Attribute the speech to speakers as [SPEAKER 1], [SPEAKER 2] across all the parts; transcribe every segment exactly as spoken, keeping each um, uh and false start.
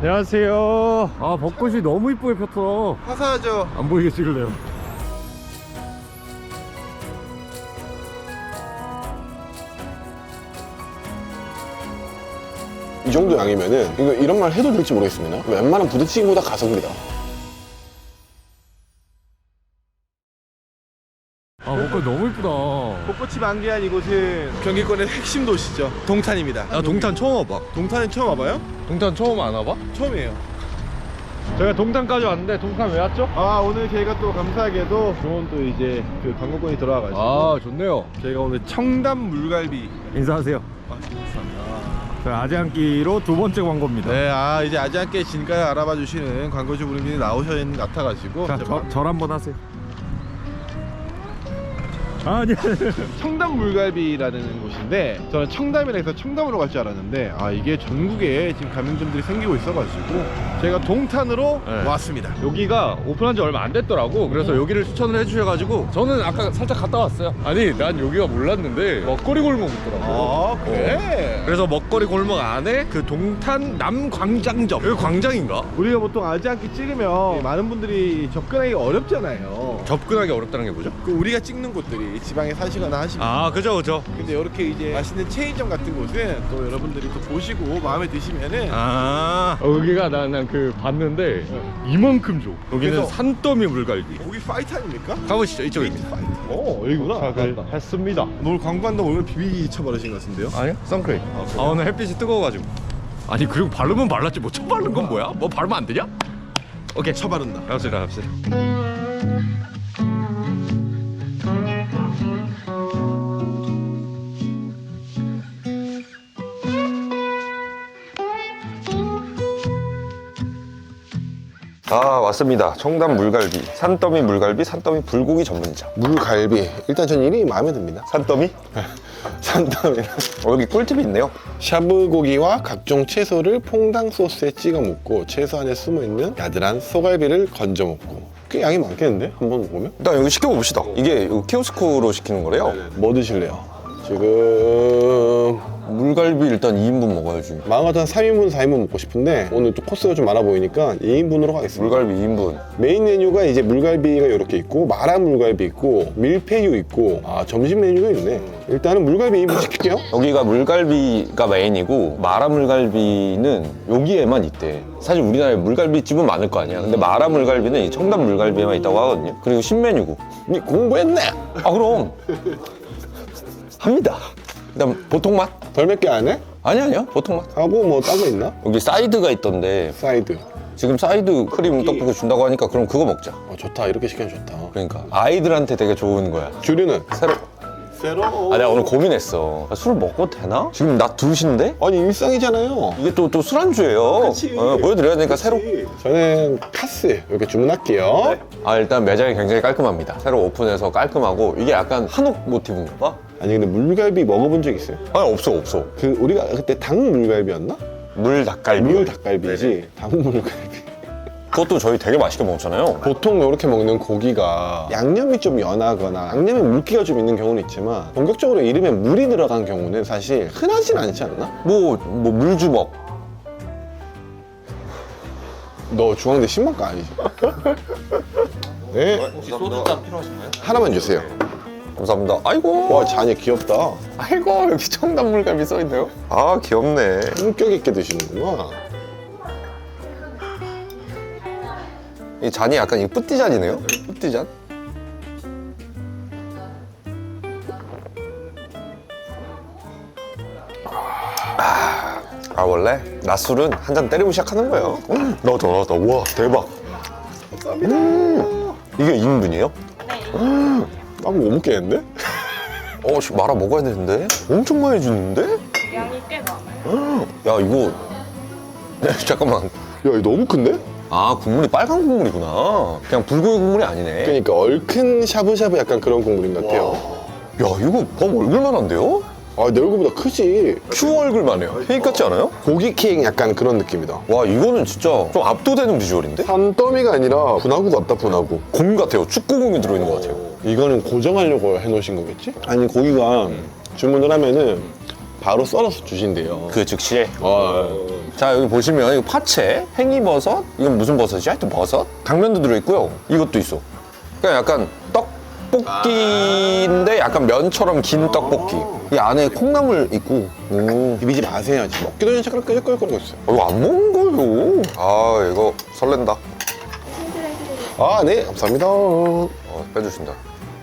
[SPEAKER 1] 안녕하세요. 아, 벚꽃이 너무 이쁘게 폈어.
[SPEAKER 2] 화사하죠?
[SPEAKER 1] 안 보이게 찍을래요.
[SPEAKER 2] 이 정도 양이면은 이거 이런 말 해도 될지 모르겠습니다. 웬만한 부대찌개보다 가성비다.
[SPEAKER 1] 아, 벚꽃 너무 이쁘다.
[SPEAKER 3] 벚꽃이 만개한 이곳은 경기권의 핵심 도시죠. 동탄입니다.
[SPEAKER 1] 나 동탄 처음 와봐.
[SPEAKER 3] 동탄은 처음 와봐요?
[SPEAKER 1] 동탄 처음 안 와봐?
[SPEAKER 3] 처음이에요.
[SPEAKER 1] 저희가 동탄까지 왔는데 동탄 왜 왔죠?
[SPEAKER 3] 아, 오늘 저희가 또 감사하게도 좋은 또 이제 그 관광권이 들어와가지고
[SPEAKER 1] 아, 좋네요.
[SPEAKER 3] 저희가 오늘 청담 물갈비.
[SPEAKER 1] 인사하세요.
[SPEAKER 3] 아, 감사합니다.
[SPEAKER 1] 저희 아재한끼로 두 번째 광고입니다.
[SPEAKER 3] 네, 아 이제 아지않게 진가를 알아봐 주시는 광고주 분들이 나오셔야 되는 것 같아가지고
[SPEAKER 1] 자,
[SPEAKER 3] 이제
[SPEAKER 1] 저,
[SPEAKER 3] 막
[SPEAKER 1] 절 한번 하세요. 아니,
[SPEAKER 3] 청담 물갈비라는 곳인데 저는 청담이라 해서 청담으로 갈 줄 알았는데 아 이게 전국에 지금 가맹점들이 생기고 있어가지고 제가 동탄으로
[SPEAKER 1] 네.
[SPEAKER 3] 왔습니다.
[SPEAKER 1] 여기가 오픈한 지 얼마 안 됐더라고. 그래서 여기를 추천을 해주셔가지고 저는 아까 살짝 갔다 왔어요. 아니, 난 여기가 몰랐는데 먹거리 골목 있더라고.
[SPEAKER 3] 아 그래?
[SPEAKER 1] 그래서 먹거리 골목 안에 그 동탄 남광장점, 여기 광장인가?
[SPEAKER 3] 우리가 보통 아지않게 찍으면 많은 분들이 접근하기 어렵잖아요.
[SPEAKER 1] 접근하기 어렵다는 게 뭐죠?
[SPEAKER 3] 그 우리가 찍는 곳들이 지방에 사시거나 하시면
[SPEAKER 1] 아, 그죠 그죠.
[SPEAKER 3] 근데 이렇게 이제 맛있는 체인점 같은 곳은 또 여러분들이 또 보시고 마음에 드시면은
[SPEAKER 1] 아, 여기가 나는 그 봤는데 이만큼 줘. 여기는
[SPEAKER 3] 그래서-
[SPEAKER 1] 산더미 물갈비.
[SPEAKER 3] 고기 파이트 아닙니까?
[SPEAKER 1] 가보시죠. 이쪽입니다.
[SPEAKER 3] 파이트. 어 여기구나.
[SPEAKER 1] 자, 그, 했습니다.
[SPEAKER 3] 오늘 광고한다고 오늘 비비기 쳐버리신 것 같은데요?
[SPEAKER 1] 아니요, 선크림. 아, 오늘 햇빛이 뜨거워가지고. 아니, 그리고 바르면 발랐지 뭐 처음 바른 건 뭐야? 뭐 바르면 안 되냐? 오케이,
[SPEAKER 3] 쳐바른다.
[SPEAKER 1] 갑시다 갑시다.
[SPEAKER 4] 아, 왔습니다. 청담 물갈비, 산더미 물갈비, 산더미 불고기 전문점.
[SPEAKER 2] 물갈비. 일단 전 이름이 마음에 듭니다.
[SPEAKER 4] 산더미?
[SPEAKER 2] 산더미.
[SPEAKER 4] 어, 여기 꿀팁이 있네요.
[SPEAKER 2] 샤브 고기와 각종 채소를 퐁당 소스에 찍어 먹고 채소 안에 숨어있는 야들한 소갈비를 건져 먹고. 꽤 양이 많겠는데? 한번 먹으면?
[SPEAKER 4] 일단 여기 시켜봅시다. 이게 이거 키오스크로 시키는 거래요.
[SPEAKER 2] 뭐 드실래요? 지금
[SPEAKER 4] 물갈비 일단 이 인분 먹어야지.
[SPEAKER 2] 마음 같아서 삼 인분, 사 인분 먹고 싶은데 오늘 또 코스가 좀 많아 보이니까 이 인분으로 가겠습니다.
[SPEAKER 4] 물갈비 이 인분.
[SPEAKER 2] 메인 메뉴가 이제 물갈비가 이렇게 있고 마라 물갈비 있고 밀푀유 있고 아 점심 메뉴가 있네. 일단은 물갈비 이 인분 시킬게요.
[SPEAKER 4] 여기가 물갈비가 메인이고 마라 물갈비는 여기에만 있대. 사실 우리나라에 물갈비집은 많을 거 아니야. 근데 마라 물갈비는 이 청담 물갈비에만 있다고 하거든요. 그리고 신메뉴고.
[SPEAKER 2] 니 공부했네.
[SPEAKER 4] 아, 그럼 합니다. 일단 보통 맛?
[SPEAKER 2] 덜 맵게 안 해?
[SPEAKER 4] 아니 아니요, 보통 맛.
[SPEAKER 2] 하고 뭐 딴 거 있나?
[SPEAKER 4] 여기 사이드가 있던데
[SPEAKER 2] 사이드.
[SPEAKER 4] 지금 사이드 크림 떡볶이 준다고 하니까 그럼 그거 먹자.
[SPEAKER 2] 어 좋다. 이렇게 시키면 좋다.
[SPEAKER 4] 그러니까 아이들한테 되게 좋은 거야.
[SPEAKER 2] 주류는?
[SPEAKER 4] 새로.
[SPEAKER 2] 새로.
[SPEAKER 4] 아, 내가 오늘 고민했어. 아, 술 먹어도 되나? 지금 낮 두 시인데?
[SPEAKER 2] 아니 일상이잖아요.
[SPEAKER 4] 이게 또, 또 술안주예요.
[SPEAKER 2] 그치.
[SPEAKER 4] 어, 보여드려야 되니까 새로.
[SPEAKER 2] 저는 카스 이렇게 주문할게요.
[SPEAKER 4] 아, 일단 매장이 굉장히 깔끔합니다. 새로 오픈해서 깔끔하고 이게 약간 한옥 모티브인가 봐.
[SPEAKER 2] 아니 근데 물갈비 먹어본 적 있어요?
[SPEAKER 4] 아니, 없어 없어.
[SPEAKER 2] 그 우리가 그때 닭 물갈비였나?
[SPEAKER 4] 물 닭갈비.
[SPEAKER 2] 물 닭갈비지 닭 물갈비.
[SPEAKER 4] 그것도 저희 되게 맛있게 먹잖아요.
[SPEAKER 2] 보통 이렇게 먹는 고기가 양념이 좀 연하거나 양념에 물기가 좀 있는 경우는 있지만 본격적으로 이름에 물이 들어간 경우는 사실 흔하진 않지 않나?
[SPEAKER 4] 뭐, 뭐 물주먹.
[SPEAKER 2] 너 중앙대 신문과 아니지? 네.
[SPEAKER 4] 혹시 소주잔 필요하신가요?
[SPEAKER 2] 하나만 주세요.
[SPEAKER 4] 감사합니다. 아이고.
[SPEAKER 2] 와 잔이 귀엽다.
[SPEAKER 4] 아이고, 여기 청담 물갈비 써있네요. 아, 귀엽네.
[SPEAKER 2] 품격 있게 드시는구나.
[SPEAKER 4] 이 잔이 약간 이 뿌띠잔이네요. 뿌띠잔. 아, 아 원래 낮술은 한 잔 때리고 시작하는 거예요. 음, 나왔다 나왔다. 와, 대박. 음, 이게 이 인분이에요?
[SPEAKER 2] 아, 뭐 못 먹겠는데?
[SPEAKER 4] 어, 씨, 말아 먹어야 되는데? 엄청 많이 주는데?
[SPEAKER 5] 양이 꽤 많아요.
[SPEAKER 4] 야, 이거 네, 잠깐만.
[SPEAKER 2] 야, 이거 너무 큰데?
[SPEAKER 4] 아, 국물이 빨간 국물이구나. 그냥 불고기 국물이 아니네.
[SPEAKER 2] 그러니까 얼큰 샤브샤브 약간 그런 국물인 것 같아요.
[SPEAKER 4] 야, 이거 범 얼굴만한데요?
[SPEAKER 2] 아, 내 얼굴보다 크지.
[SPEAKER 4] 큐 얼굴만 해요. 케이크 같지 않아요?
[SPEAKER 2] 고기 케이크 약간 그런 느낌이다.
[SPEAKER 4] 와, 이거는 진짜 좀 압도되는 비주얼인데?
[SPEAKER 2] 산더미가 아니라 분화구 같다, 분화구.
[SPEAKER 4] 공 같아요. 축구공이 들어있는 것 같아요.
[SPEAKER 2] 이거는 고정하려고 해놓으신 거겠지? 아니, 고기가 주문을 하면은 바로 썰어서 주신대요.
[SPEAKER 4] 그 즉시에.
[SPEAKER 2] 어,
[SPEAKER 4] 자, 여기 보시면 이거 파채, 팽이버섯, 이건 무슨 버섯이야? 하여튼 버섯? 당면도 들어있고요. 이것도 있어. 그냥 약간 떡볶이인데 약간 면처럼 긴 떡볶이. 이 안에 콩나물 있고. 음.
[SPEAKER 2] 비비지 마세요. 지금 먹기도 전에 잠깐 끄적끄적거리고 있어요.
[SPEAKER 4] 어, 이거 안 먹은 거예요. 아, 이거 설렌다.
[SPEAKER 2] 아, 네, 감사합니다.
[SPEAKER 4] 어, 빼주신다.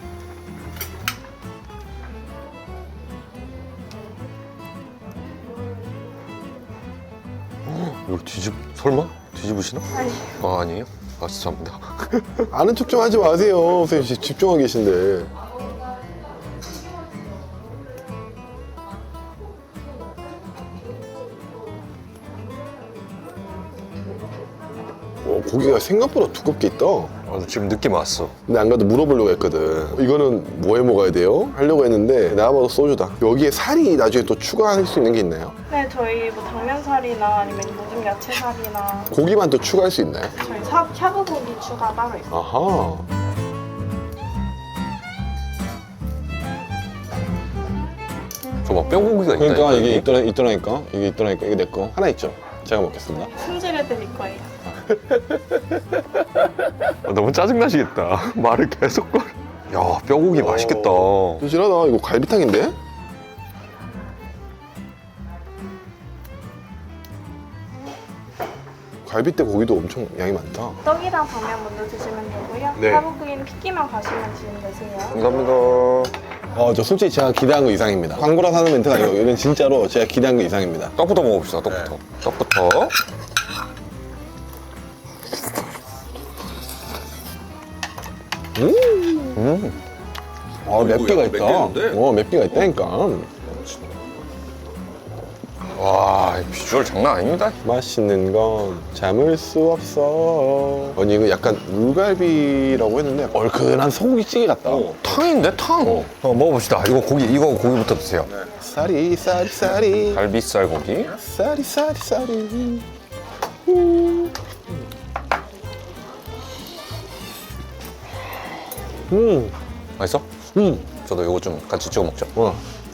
[SPEAKER 4] 이거 뒤집, 설마? 뒤집으시나?
[SPEAKER 5] 아니.
[SPEAKER 4] 아, 아니에요? 아, 죄송합니다.
[SPEAKER 2] 아는 척 좀 하지 마세요. 선생님 지금 집중하고 계신데. 어, 고기가 생각보다 두껍게 있다.
[SPEAKER 4] 아, 지금 느낌 왔어.
[SPEAKER 2] 근데 안 가도 물어보려고 했거든. 이거는 뭐해 먹어야 돼요? 하려고 했는데 내가 봐도 소주다. 여기에 살이 나중에 또 추가할 수 있는 게 있나요?
[SPEAKER 5] 네, 저희 뭐 당면살이나 아니면 모든 야채살이나
[SPEAKER 2] 고기만 또 추가할 수 있나요?
[SPEAKER 5] 저희 샤, 샤브고기 추가 따로 있어요.
[SPEAKER 2] 아하.
[SPEAKER 4] 저봐, 뼈고기가 있다.
[SPEAKER 2] 그러니까 이게 있더라, 있더라니까. 이게 있더라니까. 이게 내 거. 하나 있죠? 제가 먹겠습니다.
[SPEAKER 5] 승질해드릴 거예요.
[SPEAKER 4] 아, 너무 짜증나시겠다. 말을 계속 걸. 야, 뼈고기 맛있겠다.
[SPEAKER 2] 도실하다. 이거 갈비탕인데? 갈비때 고기도 엄청 양이 많다.
[SPEAKER 5] 떡이랑 당면 먼저 드시면 되고요.
[SPEAKER 2] 네.
[SPEAKER 5] 샤브고기는 핏기만 가시면 지금 되세요.
[SPEAKER 4] 감사합니다.
[SPEAKER 2] 어, 저 솔직히 제가 기대한 거 이상입니다. 광고라 사는 멘트가 아니고 이건 진짜로 제가 기대한 거 이상입니다.
[SPEAKER 4] 떡부터 먹어봅시다, 떡부터.
[SPEAKER 2] 네.
[SPEAKER 4] 떡부터. 음.
[SPEAKER 2] 아, 맵기가
[SPEAKER 4] 약간
[SPEAKER 2] 있다.
[SPEAKER 4] 맵겠는데?
[SPEAKER 2] 어, 맵기가 있다니까.
[SPEAKER 4] 와, 비주얼 장난 아닙니다.
[SPEAKER 2] 맛있는 건 참을 수 없어. 아니, 이거 약간 물갈비라고 했는데 얼큰한 소고기찌개 같다.
[SPEAKER 4] 탕인데, 탕. 어. 먹어봅시다. 이거 고기, 이거 고기부터 드세요.
[SPEAKER 2] 쌀이, 쌀이, 쌀이.
[SPEAKER 4] 갈비살 고기.
[SPEAKER 2] 쌀이, 쌀이, 쌀이. 음,
[SPEAKER 4] 맛있어?
[SPEAKER 2] 음.
[SPEAKER 4] 저도 이거 좀 같이 찍어 먹자.
[SPEAKER 2] 와.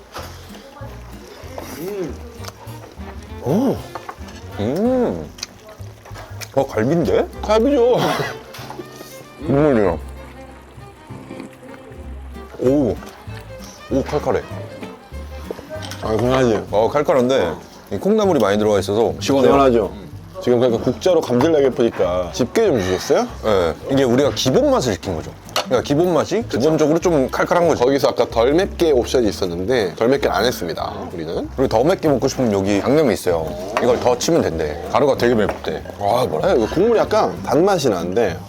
[SPEAKER 2] 오,
[SPEAKER 4] 음. 어, 갈비인데?
[SPEAKER 2] 갈비죠.
[SPEAKER 4] 국물이랑. 오. 오, 칼칼해.
[SPEAKER 2] 아, 그만하지.
[SPEAKER 4] 어, 칼칼한데, 이 콩나물이 많이 들어가 있어서 시원해요.
[SPEAKER 2] 시원하죠. 지금 그러니까 국자로 감질나게 보니까 집게 좀 주셨어요?
[SPEAKER 4] 예, 이게 우리가 기본 맛을 시킨 거죠. 그러니까 기본 맛이 기본적으로 좀 칼칼한 거죠.
[SPEAKER 2] 거기서 아까 덜 맵게 옵션이 있었는데 덜 맵게 안 했습니다. 우리는.
[SPEAKER 4] 그리고 더 맵게 먹고 싶으면 여기 양념이 있어요. 이걸 더 치면 된대. 가루가 되게 맵대.
[SPEAKER 2] 아, 뭐라 해요? 이거 국물이 약간 단맛이 나는데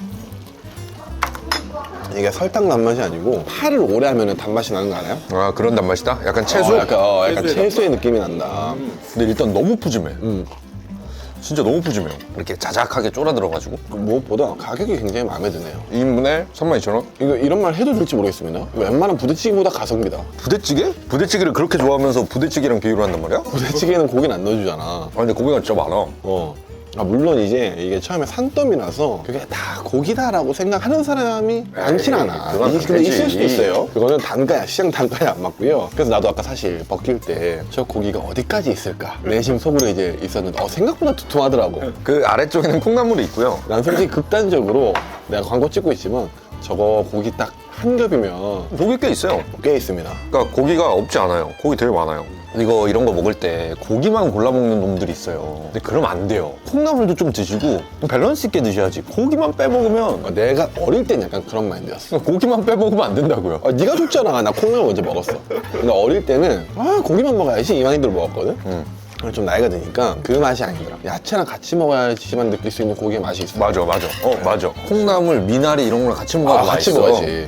[SPEAKER 2] 이게 설탕 단맛이 아니고 파를 오래 하면 단맛이 나는 거 알아요?
[SPEAKER 4] 아, 그런 단맛이다? 약간 채소?
[SPEAKER 2] 어, 약간, 어, 약간 채소의 느낌이 난다.
[SPEAKER 4] 근데 일단 너무 푸짐해.
[SPEAKER 2] 음.
[SPEAKER 4] 진짜 너무 푸짐해요. 이렇게 자작하게 쫄아 들어가지고.
[SPEAKER 2] 그 무엇보다 가격이 굉장히 마음에 드네요.
[SPEAKER 4] 이 인분에 삼만 이천 원?
[SPEAKER 2] 이거 이런 말 해도 될지 모르겠습니다. 웬만한 부대찌개보다 가성비다.
[SPEAKER 4] 부대찌개? 부대찌개를 그렇게 좋아하면서 부대찌개랑 비교를 한단 말이야?
[SPEAKER 2] 부대찌개는 고기는 안 넣어주잖아.
[SPEAKER 4] 아, 근데 고기가 진짜 많아.
[SPEAKER 2] 어. 아, 물론 이제 이게 처음에 산더미라서 그게 다 고기다라고 생각하는 사람이 많진 않아.
[SPEAKER 4] 그건
[SPEAKER 2] 이게 근데
[SPEAKER 4] 그렇지.
[SPEAKER 2] 있을 수도 있어요. 그거는 단가야, 시장 단가에 안 맞고요. 그래서 나도 아까 사실 벗길 때 저 고기가 어디까지 있을까 내심 속으로 이제 있었는데 어, 생각보다 두툼하더라고.
[SPEAKER 4] 그 아래쪽에는 콩나물이 있고요.
[SPEAKER 2] 난 솔직히 극단적으로 내가 광고 찍고 있지만 저거 고기 딱 한 겹이면
[SPEAKER 4] 고기 꽤 있어요.
[SPEAKER 2] 꽤 있습니다.
[SPEAKER 4] 그러니까 고기가 없지 않아요. 고기 되게 많아요. 이거 이런 거 먹을 때 고기만 골라 먹는 놈들이 있어요. 근데 그러면 안 돼요. 콩나물도 좀 드시고 좀 밸런스 있게 드셔야지. 고기만 빼먹으면
[SPEAKER 2] 어, 내가 어릴 땐 약간 그런 마인드였어.
[SPEAKER 4] 고기만 빼먹으면 안 된다고요.
[SPEAKER 2] 아, 네가 줬잖아. 나 콩나물 먼저 먹었어. 근데 어릴 때는 아 고기만 먹어야지 이 마인드로 먹었거든.
[SPEAKER 4] 음.
[SPEAKER 2] 근데 좀 나이가 드니까 그 맛이 아니더라. 야채랑 같이 먹어야지만 느낄 수 있는 고기의 맛이 있어.
[SPEAKER 4] 맞아, 맞아. 어, 맞아. 콩나물, 미나리 이런 거랑 같이 먹어도
[SPEAKER 2] 아, 같이
[SPEAKER 4] 맛있어.
[SPEAKER 2] 먹어야지.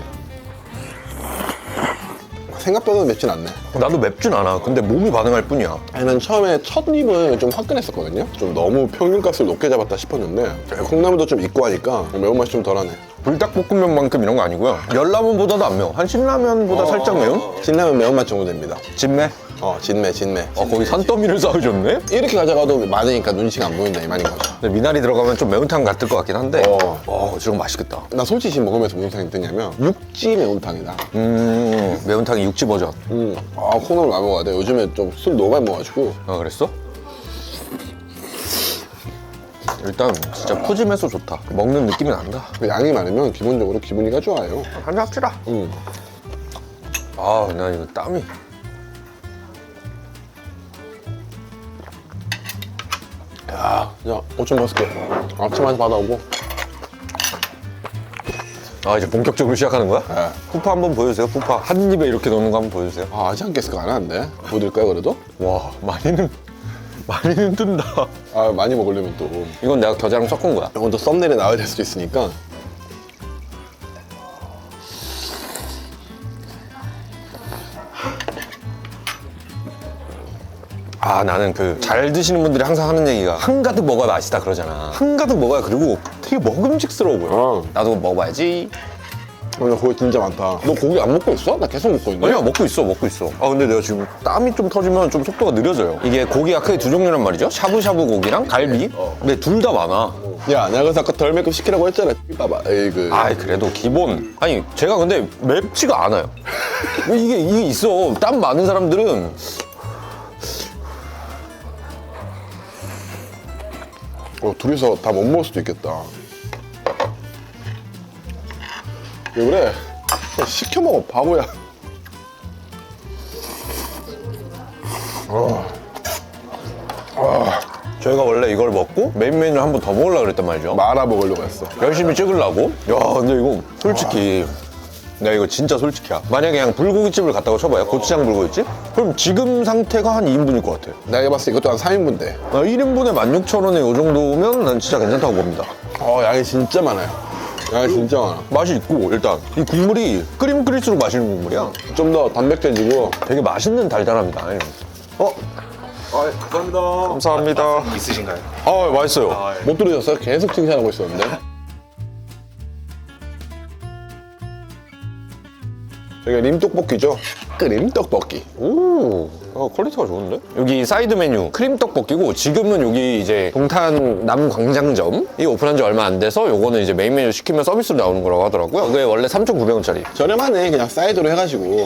[SPEAKER 2] 생각보다 맵진 않네.
[SPEAKER 4] 나도 맵진 않아. 근데 몸이 반응할 뿐이야.
[SPEAKER 2] 아니, 난 처음에 첫 입은 좀 화끈했었거든요. 좀 너무 평균값을 높게 잡았다 싶었는데 콩나물도 좀 있고 하니까 매운맛이 좀 덜하네.
[SPEAKER 4] 불닭볶음면만큼 이런 거 아니고요. 열라면보다도 안 매워. 한 신라면보다 살짝 매운?
[SPEAKER 2] 신라면 매운맛 정도 됩니다.
[SPEAKER 4] 진매?
[SPEAKER 2] 어 진매 진매.
[SPEAKER 4] 어, 거기 산더미를 쌓아줬네?
[SPEAKER 2] 이렇게 가져가도 많으니까 눈치가 안 보인다 이 말인 거죠.
[SPEAKER 4] 근데 미나리 들어가면 좀 매운탕 같을 것 같긴 한데
[SPEAKER 2] 어.
[SPEAKER 4] 어, 저거 맛있겠다.
[SPEAKER 2] 나 솔직히 지금 먹으면서 무슨 생각이 드냐면 육지 매운탕이다.
[SPEAKER 4] 음, 매운탕이 육지 버전.
[SPEAKER 2] 음. 아 콩나물 많이 먹어야 돼. 요즘에 좀 술 너무 많이 먹어가지고.
[SPEAKER 4] 아, 그랬어? 일단 진짜 푸짐해서 좋다. 먹는 느낌이 난다.
[SPEAKER 2] 양이 많으면 기본적으로 기분이가 좋아요.
[SPEAKER 4] 한잔 합시다.
[SPEAKER 2] 음.
[SPEAKER 4] 아, 나 이거 땀이.
[SPEAKER 2] 야, 야, 오천 맛있게. 아침마저 받아오고.
[SPEAKER 4] 아, 이제 본격적으로 시작하는 거야?
[SPEAKER 2] 네.
[SPEAKER 4] 푸파 한번 보여주세요. 푸파 한 입에 이렇게 넣는 거 한번 보여주세요.
[SPEAKER 2] 아, 아직 안 깼을 거 안 하는데. 보여드릴까요, 그래도?
[SPEAKER 4] 와, 많이는 많이는 뜬다.
[SPEAKER 2] 아, 많이 먹으려면 또.
[SPEAKER 4] 이건 내가 겨자랑 섞은 거야.
[SPEAKER 2] 이건 또 썸네일에 나와야 될 수도 있으니까.
[SPEAKER 4] 아, 나는 그 잘 드시는 분들이 항상 하는 얘기가 한가득 먹어야 맛있다 그러잖아. 한가득 먹어야 그리고 되게 먹음직스러워 보여.
[SPEAKER 2] 어.
[SPEAKER 4] 나도 먹어봐야지.
[SPEAKER 2] 어, 나 고기 진짜 많다. 너 고기 안 먹고 있어? 나 계속 먹고 있네.
[SPEAKER 4] 아니야, 먹고 있어, 먹고 있어. 아, 근데 내가 지금 땀이 좀 터지면 좀 속도가 느려져요. 이게 고기가 크게 두 종류란 말이죠. 샤브샤브 고기랑 갈비. 근데 둘 다 많아.
[SPEAKER 2] 야, 내가 그래서 아까 덜 맵고 시키라고 했잖아. 봐봐. 에이그.
[SPEAKER 4] 아이, 그래도 기본. 아니, 제가 근데 맵지가 않아요. 이게, 이게 있어. 땀 많은 사람들은.
[SPEAKER 2] 어, 둘이서 다 못 먹을 수도 있겠다. 왜 그래? 그냥 시켜 먹어, 바보야.
[SPEAKER 4] 저희가 원래 이걸 먹고 메인 메뉴를 한 번 더 먹으려고 그랬단 말이죠.
[SPEAKER 2] 말아 먹으려고 했어.
[SPEAKER 4] 열심히 찍으려고. 야, 근데 이거 솔직히 내가 이거 진짜 솔직이야. 만약에 그냥 불고기집을 갔다고 쳐봐요. 고추장 불고기집? 그럼 지금 상태가 한 이 인분일 것 같아.
[SPEAKER 2] 내가 봤을 때 이것도 한 삼 인분대.
[SPEAKER 4] 나 일 인분에 만 육천 원에 이 정도면 난 진짜 괜찮다고 봅니다.
[SPEAKER 2] 어, 양이 진짜 많아요. 양이 진짜 많아.
[SPEAKER 4] 맛이 있고 일단 이 국물이 끓이면 끓일수록 맛있는 국물이야.
[SPEAKER 2] 좀 더 단백질지고.
[SPEAKER 4] 되게 맛있는 달달함이다. 어?
[SPEAKER 2] 아, 감사합니다.
[SPEAKER 4] 감사합니다.
[SPEAKER 6] 있으신가요?
[SPEAKER 4] 아, 맛있어요.
[SPEAKER 2] 못 들으셨어요? 계속 칭찬하고 있었는데. 여기가 림떡볶이죠? 끓임 떡볶이.
[SPEAKER 4] 오, 어, 퀄리티가 좋은데? 여기 사이드 메뉴 크림 떡볶이고 지금은 여기 이제 동탄 남광장점이 오픈한 지 얼마 안 돼서 요거는 이제 메인 메뉴 시키면 서비스로 나오는 거라고 하더라고요. 그게 원래 삼천구백 원짜리.
[SPEAKER 2] 저렴하네. 그냥 사이드로 해가지고.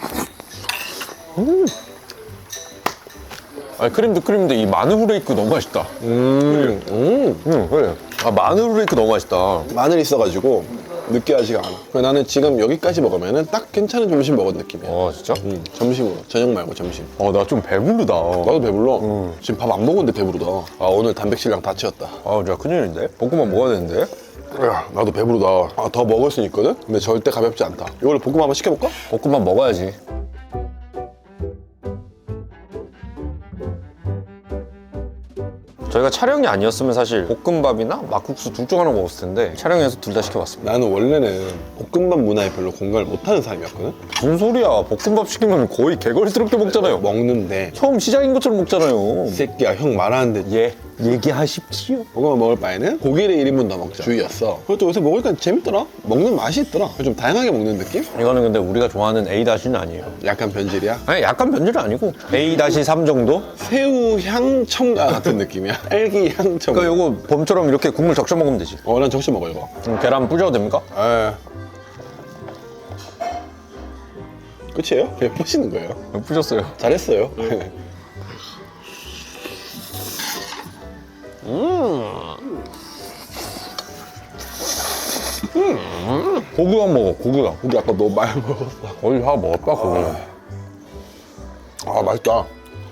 [SPEAKER 4] 아니, 크림도 크림인데 이 마늘 후레이크 너무 맛있다.
[SPEAKER 2] 음, 음.
[SPEAKER 4] 응, 그래. 아, 마늘 후레이크 너무 맛있다.
[SPEAKER 2] 마늘 있어가지고 느끼하지가 않아. 그래서 나는 지금 여기까지 먹으면 딱 괜찮은 점심 먹은 느낌이야.
[SPEAKER 4] 어, 진짜?
[SPEAKER 2] 음, 점심으로. 저녁 말고 점심.
[SPEAKER 4] 어, 나 좀 배부르다.
[SPEAKER 2] 나도 배불러. 지금 밥 안 먹었는데 배부르다. 아, 오늘 단백질량 다 채웠다.
[SPEAKER 4] 아, 진짜 큰일인데? 볶음밥 먹어야 되는데?
[SPEAKER 2] 야, 나도 배부르다. 아, 더 먹을 수 있거든? 근데 절대 가볍지 않다. 이걸 볶음 한번 시켜볼까?
[SPEAKER 4] 볶음밥 먹어야지. 저희가 촬영이 아니었으면 사실 볶음밥이나 막국수 둘 중 하나 먹었을 텐데 촬영해서 둘 다 시켜봤습니다.
[SPEAKER 2] 나는 원래는 볶음밥 문화에 별로 공감을 못하는 사람이었거든?
[SPEAKER 4] 무슨 소리야. 볶음밥 시키면 거의 개걸스럽게 먹잖아요.
[SPEAKER 2] 먹는데
[SPEAKER 4] 처음 시작인 것처럼 먹잖아요.
[SPEAKER 2] 이 새끼야 형 말하는데
[SPEAKER 4] 예, 얘기하십시오.
[SPEAKER 2] 볶음밥 먹을 바에는 고기를 일 인분 더 먹자 주의였어. 그것도 요새 먹으니까 재밌더라. 먹는 맛이 있더라. 좀 다양하게 먹는 느낌?
[SPEAKER 4] 이거는 근데 우리가 좋아하는 에이-는 아니에요.
[SPEAKER 2] 약간 변질이야.
[SPEAKER 4] 아니, 약간 변질은 아니고 에이 삼 정도?
[SPEAKER 2] 새우 향 첨가 같은 느낌이야. 딸기 향 첨가.
[SPEAKER 4] 그러니까 이거 봄처럼 이렇게 국물 적셔 먹으면 되지.
[SPEAKER 2] 어, 난 적시 먹어 이거.
[SPEAKER 4] 그럼 계란 뿌려도 됩니까?
[SPEAKER 2] 에. 끝이에요? 그냥 뿌시는 거예요.
[SPEAKER 4] 뿌렸어요.
[SPEAKER 2] 잘했어요.
[SPEAKER 4] 고기만 먹어, 고기가.
[SPEAKER 2] 고기 아까 너무 많이 먹었어.
[SPEAKER 4] 거의 다 먹었다, 고기.
[SPEAKER 2] 아, 맛있다.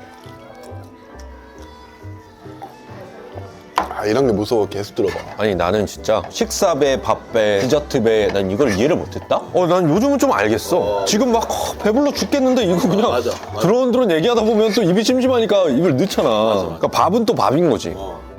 [SPEAKER 2] 아, 이런 게 무서워. 계속 들어봐.
[SPEAKER 4] 아니, 나는 진짜 식사배, 밥배, 디저트배, 난 이걸 이해를 못했다? 어, 난 요즘은 좀 알겠어. 지금 막 어, 배불러 죽겠는데 이거 그냥
[SPEAKER 2] 맞아, 맞아.
[SPEAKER 4] 드론드론 얘기하다 보면 또 입이 심심하니까 입을 넣잖아. 그러니까 밥은 또 밥인 거지.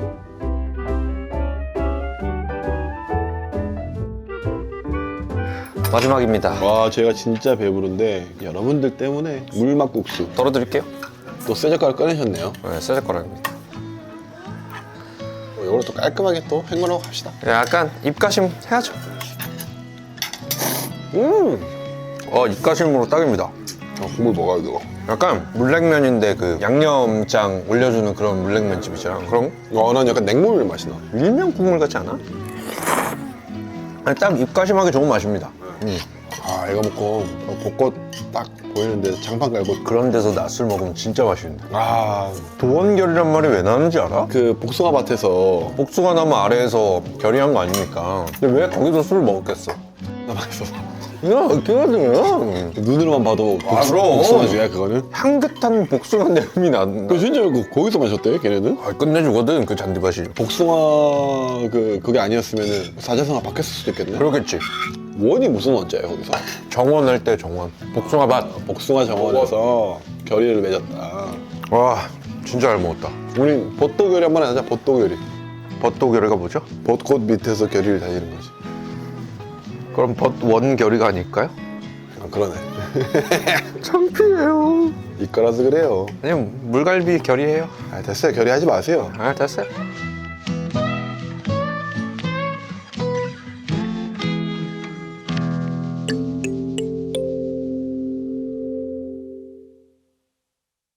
[SPEAKER 4] 마지막입니다.
[SPEAKER 2] 와, 제가 진짜 배부른데 여러분들 때문에 물막국수.
[SPEAKER 4] 덜어드릴게요.
[SPEAKER 2] 또 쇠젓가락 꺼내셨네요.
[SPEAKER 4] 네, 쇠젓가락입니다.
[SPEAKER 2] 어, 이걸 또 깔끔하게 또 헹궈놓고 갑시다.
[SPEAKER 4] 약간 입가심 해야죠.
[SPEAKER 2] 음.
[SPEAKER 4] 어, 입가심으로 딱입니다.
[SPEAKER 2] 어, 국물 먹어요, 이거.
[SPEAKER 4] 약간 물냉면인데 그 양념장 올려주는 그런 물냉면 집이잖아. 그럼
[SPEAKER 2] 어, 난 약간 냉모밀 맛이 나.
[SPEAKER 4] 밀면 국물 같지 않아? 아니, 딱 입가심하기 좋은 맛입니다. 음.
[SPEAKER 2] 아, 이거 먹고 벚꽃 딱 보이는데 장판 깔고.
[SPEAKER 4] 그런 데서 낮술 먹으면 진짜 맛있는데.
[SPEAKER 2] 아,
[SPEAKER 4] 도원결이란 말이 왜 나는지 알아?
[SPEAKER 2] 그 복숭아 밭에서
[SPEAKER 4] 복숭아 나무 아래에서 결의한 거 아닙니까? 근데 왜 거기서 술을 먹었겠어?
[SPEAKER 2] 나 맛있어.
[SPEAKER 4] 야, 웃기거든요.
[SPEAKER 2] 눈으로만 봐도
[SPEAKER 4] 아,
[SPEAKER 2] 복숭,
[SPEAKER 4] 그럼.
[SPEAKER 2] 복숭아주야 그거는.
[SPEAKER 4] 향긋한 복숭아 냄이 난다.
[SPEAKER 2] 그 진짜 그 거기서 마셨대 걔네는.
[SPEAKER 4] 아, 끝내주거든, 그 잔디밭이.
[SPEAKER 2] 복숭아 그 그게 아니었으면은 사자성어 바뀌었을 수도 있겠네.
[SPEAKER 4] 그러겠지.
[SPEAKER 2] 원이 무슨 원자예요 거기서?
[SPEAKER 4] 정원할 때 정원. 복숭아밭.
[SPEAKER 2] 복숭아 정원에서 결의를 맺었다.
[SPEAKER 4] 와, 진짜 잘 먹었다.
[SPEAKER 2] 우리 벚도결이 한번 하자. 벚도결이.
[SPEAKER 4] 벚도결의가 뭐죠?
[SPEAKER 2] 벚꽃 밑에서 결의를 다지는 거지.
[SPEAKER 4] 그럼 벚원결의가 아닐까요?
[SPEAKER 2] 아, 그러네.
[SPEAKER 4] 창피해요.
[SPEAKER 2] 이거라서 그래요.
[SPEAKER 4] 아니면 물갈비 결의해요.
[SPEAKER 2] 아, 됐어요. 결의하지 마세요.
[SPEAKER 4] 아, 됐어요.